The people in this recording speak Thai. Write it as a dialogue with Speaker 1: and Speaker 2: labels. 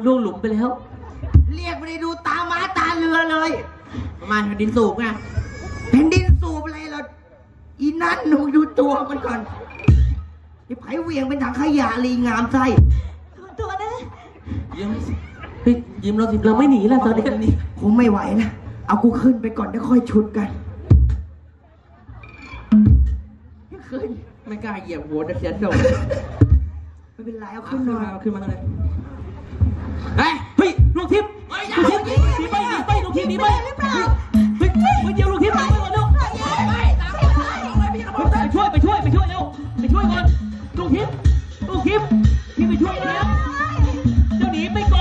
Speaker 1: ล่วงหลุมไปแล้ว
Speaker 2: เรียกไม่ได้ดูตาม้าตาเรือเลยประมาณแผ่นดินสูบไงแผ่นดินสูบอะไรเราอีนั่นหนูดูตัวมันก่อนไอ้ไผ่เวียงเป็นถังขยะลีงามไส้
Speaker 3: ตัวนะ
Speaker 1: ยิ้มเฮ้ยยิ้มเราไม่หนีแล้วตอนนี้
Speaker 2: คงไม่ไหวนะเอากูขึ้นไปก่อนแล้วค่อยชุดกันขึ้นไม่กล้าเหยียบหัวจะเสียโดดไม่เป็นไรเอาขึ้นมาเอาขึ้นมาเลย
Speaker 1: เฮ้ยลูกทิพย์ลูกทิพย์หนีไปลูกทิพย์หนีไปเฮ้ยเดี๋ยวลูกทิพย์หนีไปก่อนลูกไปช่วยเร็วไปช่วยก่อนลูกทิพย์พี่ไปช่วยแล้วเจ้าหนีไปก่อน